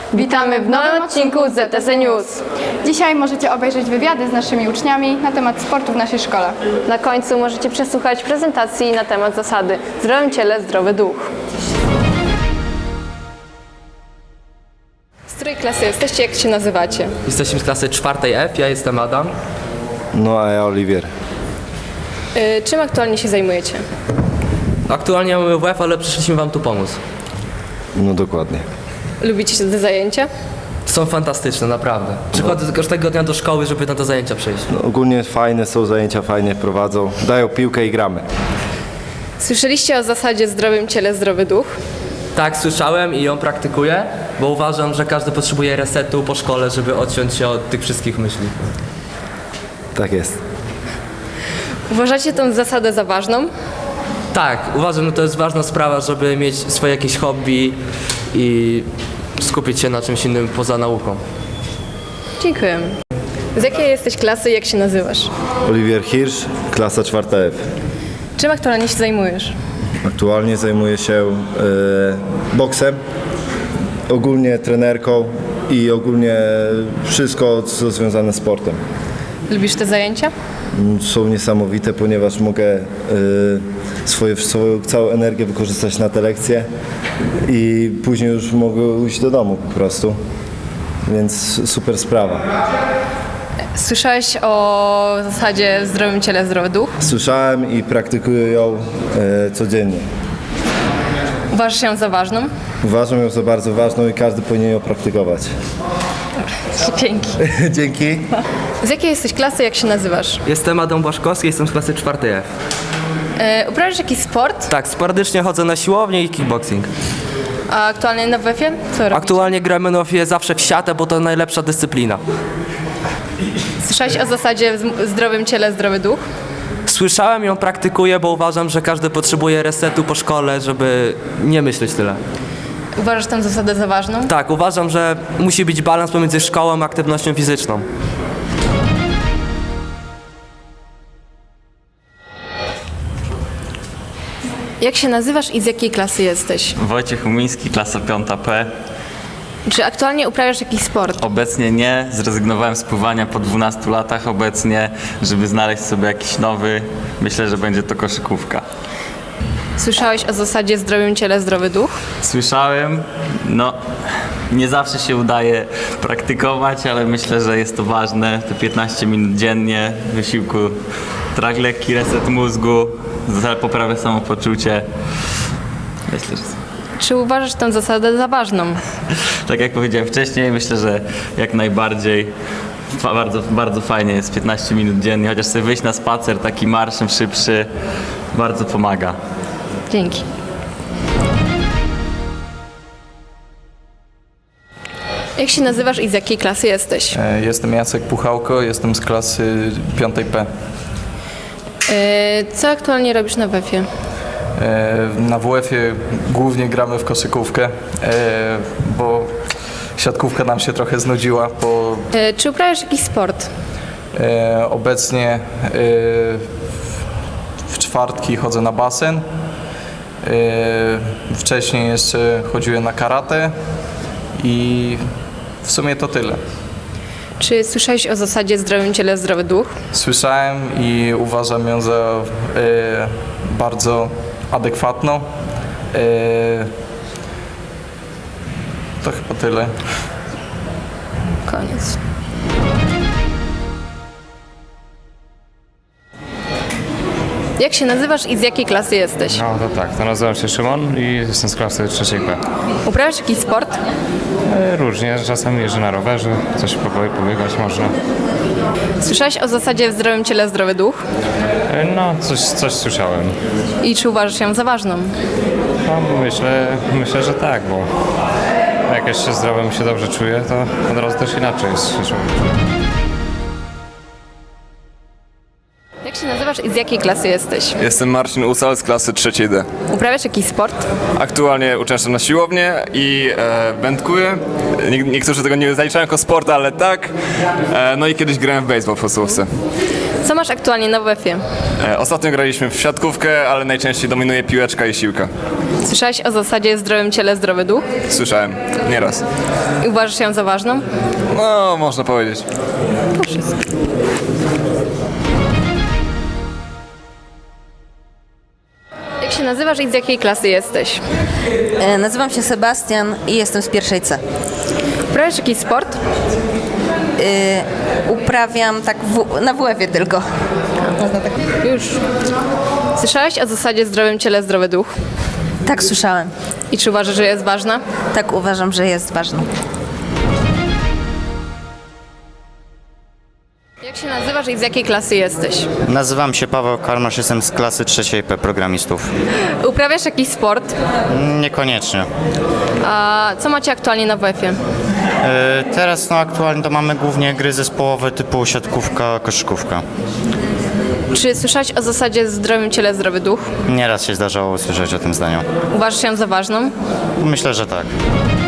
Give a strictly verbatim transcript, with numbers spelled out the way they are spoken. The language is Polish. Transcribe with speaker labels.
Speaker 1: Witamy w nowym odcinku Z T C News.
Speaker 2: Dzisiaj możecie obejrzeć wywiady z naszymi uczniami na temat sportu w naszej szkole.
Speaker 1: Na końcu możecie przesłuchać prezentacji na temat zasady w zdrowym ciele, zdrowy duch. Z której klasy jesteście, jak się nazywacie?
Speaker 3: Jesteśmy z klasy czwartej F, ja jestem Adam.
Speaker 4: No a ja Oliwier.
Speaker 1: Yy, czym aktualnie się zajmujecie?
Speaker 3: Aktualnie mamy W F, ale przyszliśmy wam tu pomóc.
Speaker 4: No dokładnie.
Speaker 1: Lubicie te zajęcia?
Speaker 3: Są fantastyczne, naprawdę. Przychodzę każdego dnia do szkoły, żeby na te zajęcia przyjść.
Speaker 4: No, ogólnie fajne są zajęcia, fajnie prowadzą. Dają piłkę i gramy.
Speaker 1: Słyszeliście o zasadzie w zdrowym ciele, zdrowy duch?
Speaker 3: Tak, słyszałem i ją praktykuję, bo uważam, że każdy potrzebuje resetu po szkole, żeby odciąć się od tych wszystkich myśli.
Speaker 4: Tak jest.
Speaker 1: Uważacie tę zasadę za ważną?
Speaker 3: Tak, uważam, że to jest ważna sprawa, żeby mieć swoje jakieś hobby i skupić się na czymś innym poza nauką.
Speaker 1: Dziękuję. Z jakiej jesteś klasy i jak się nazywasz?
Speaker 4: Oliwier Hirsch, klasa czwarta F.
Speaker 1: Czym aktualnie się zajmujesz?
Speaker 4: Aktualnie zajmuję się e, boksem, ogólnie trenerką i ogólnie wszystko, co związane z sportem.
Speaker 1: Lubisz te zajęcia?
Speaker 4: Są niesamowite, ponieważ mogę e, swoje, swoją całą energię wykorzystać na te lekcje i później już mogę iść do domu po prostu. Więc super sprawa.
Speaker 1: Słyszałeś o zasadzie w zdrowym ciele, zdrowy duch?
Speaker 4: Słyszałem i praktykuję ją e, codziennie.
Speaker 1: Uważasz ją za ważną?
Speaker 4: Uważam ją za bardzo ważną i każdy powinien ją praktykować.
Speaker 1: Dzięki.
Speaker 4: Dzięki.
Speaker 1: Z jakiej jesteś klasy, jak się nazywasz?
Speaker 3: Jestem Adam Błaszkowski, jestem z klasy czwartej F.
Speaker 1: E, uprawiasz jakiś sport?
Speaker 3: Tak, sporadycznie chodzę na siłownię i kickboxing.
Speaker 1: A aktualnie na W F-ie? Co robisz?
Speaker 3: Aktualnie gramy na W F-ie zawsze w siatę, bo to najlepsza dyscyplina.
Speaker 1: Słyszałeś o zasadzie w zdrowym ciele, zdrowy duch?
Speaker 3: Słyszałem ją, praktykuję, bo uważam, że każdy potrzebuje resetu po szkole, żeby nie myśleć tyle.
Speaker 1: Uważasz tę zasadę za ważną?
Speaker 3: Tak, uważam, że musi być balans pomiędzy szkołą a aktywnością fizyczną.
Speaker 1: Jak się nazywasz i z jakiej klasy jesteś?
Speaker 5: Wojciech Umiński, klasa piąta P.
Speaker 1: Czy aktualnie uprawiasz jakiś sport?
Speaker 5: Obecnie nie, zrezygnowałem z pływania po dwunastu latach obecnie, żeby znaleźć sobie jakiś nowy. Myślę, że będzie to koszykówka.
Speaker 1: Słyszałeś o zasadzie w zdrowym ciele, zdrowy duch?
Speaker 5: Słyszałem, no nie zawsze się udaje praktykować, ale myślę, że jest to ważne. Te piętnaście minut dziennie wysiłku, trak lekki, reset mózgu, poprawia samopoczucie. Myślę, że...
Speaker 1: Czy uważasz tę zasadę za ważną?
Speaker 5: Tak jak powiedziałem wcześniej, myślę, że jak najbardziej fa- bardzo, bardzo fajnie jest piętnaście minut dziennie, chociaż sobie wyjść na spacer taki marszem szybszy bardzo pomaga.
Speaker 1: Dzięki. Jak się nazywasz i z jakiej klasy jesteś?
Speaker 6: E, Jestem Jacek Puchałko, jestem z klasy piątej P.
Speaker 1: E, Co aktualnie robisz na W F-ie?
Speaker 6: E, Na W F-ie głównie gramy w koszykówkę, e, bo siatkówka nam się trochę znudziła, bo
Speaker 1: E, Czy uprawiasz jakiś sport?
Speaker 6: e, obecnie e, w czwartki chodzę na basen. E, Wcześniej jeszcze chodziłem na karate i w sumie to tyle.
Speaker 1: Czy słyszałeś o zasadzie w zdrowym ciele, zdrowy duch?
Speaker 6: Słyszałem i uważam ją za e, bardzo adekwatną. E, to chyba tyle.
Speaker 1: Koniec. Jak się nazywasz i z jakiej klasy jesteś?
Speaker 7: No to tak, to nazywam się Szymon i jestem z klasy trzeciej B.
Speaker 1: Uprawiasz jakiś sport?
Speaker 7: E, Różnie, czasami jeżdżę na rowerze, coś powie- pobiegać można.
Speaker 1: Słyszałeś o zasadzie w zdrowym ciele, zdrowy duch?
Speaker 7: E, No, coś, coś słyszałem.
Speaker 1: I czy uważasz ją za ważną?
Speaker 7: No, myślę, myślę, że tak, bo jak jeszcze zdrowym się dobrze czuję, to od razu też inaczej jest się człowiek.
Speaker 1: Jak się nazywasz i z jakiej klasy jesteś?
Speaker 8: Jestem Marcin Usal z klasy trzeciej D.
Speaker 1: Uprawiasz jakiś sport?
Speaker 8: Aktualnie uczęszczam na siłownię i e, wędkuję. Nie, niektórzy tego nie zaliczają jako sport, ale tak. E, no i kiedyś grałem w baseball w podstawówce.
Speaker 1: Co masz aktualnie na wuefie?
Speaker 8: E, Ostatnio graliśmy w siatkówkę, ale najczęściej dominuje piłeczka i siłka.
Speaker 1: Słyszałeś o zasadzie zdrowym ciele, zdrowy duch?
Speaker 8: Słyszałem, nieraz.
Speaker 1: I uważasz ją za ważną?
Speaker 8: No, można powiedzieć.
Speaker 1: Jak się nazywasz i z jakiej klasy jesteś?
Speaker 9: E, Nazywam się Sebastian i jestem z pierwszej C.
Speaker 1: Uprawiasz jakiś sport?
Speaker 9: E, Uprawiam tak w, na wuefie tylko.
Speaker 1: Już. Słyszałeś o zasadzie zdrowym ciele, zdrowy duch?
Speaker 9: Tak słyszałem.
Speaker 1: I czy uważasz, że jest ważna?
Speaker 9: Tak uważam, że jest ważne.
Speaker 1: Jak się nazywasz i z jakiej klasy jesteś?
Speaker 10: Nazywam się Paweł Karmasz, jestem z klasy trzeciej P programistów.
Speaker 1: Uprawiasz jakiś sport?
Speaker 10: Niekoniecznie.
Speaker 1: A co macie aktualnie na wuefie?
Speaker 10: E, Teraz no aktualnie to mamy głównie gry zespołowe typu siatkówka, koszykówka.
Speaker 1: Czy słyszałeś o zasadzie zdrowym ciele, zdrowy duch?
Speaker 10: Nieraz się zdarzało usłyszeć o tym zdaniu.
Speaker 1: Uważasz ją za ważną?
Speaker 10: Myślę, że tak.